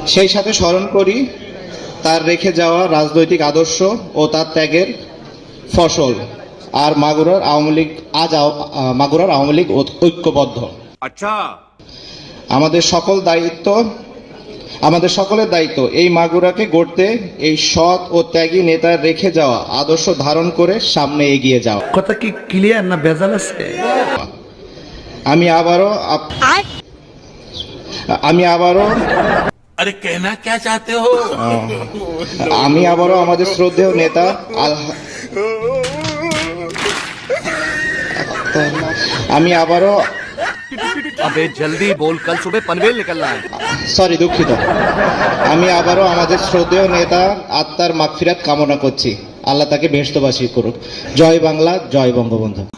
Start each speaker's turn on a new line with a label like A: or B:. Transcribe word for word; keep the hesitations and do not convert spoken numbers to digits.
A: সেই সাথে স্মরণ করি তার রেখে যাওয়া রাজনৈতিক আদর্শ ও তার ত্যাগের ফসল। আর মাগুরার আওয়ামী লীগ আজ মাগুরার আওয়ামী লীগ ঐক্যবদ্ধ। আচ্ছা, আমাদের সকল দায়িত্ব আমাদের সকলের দায়িত্ব এই মাগুরাকে গড়তে এই সৎ ও ত্যাগী নেতার রেখে যাওয়া আদর্শ ধারণ করে সামনে এগিয়ে যাওয়া।
B: কথা কি ক্লিয়ার না ভেজাল আছে?
A: আমি আবারও আমি আবারও
C: আরে কেনা কে চাতে হো
A: আমি আবারও আমাদের শ্রদ্ধেয় নেতা আমি আবারও
D: अबे जल्दी बोल, कल सुबह पनवेल निकलना है।
A: সরি দুঃখিত আমি আবারও আমাদের শ্রদ্ধেয় নেতা আত্মার মাগফিরাত কামনা করছি। আল্লাহ তাকে বেহেশতবাসী করুক। জয় বাংলা, জয় বঙ্গবন্ধু।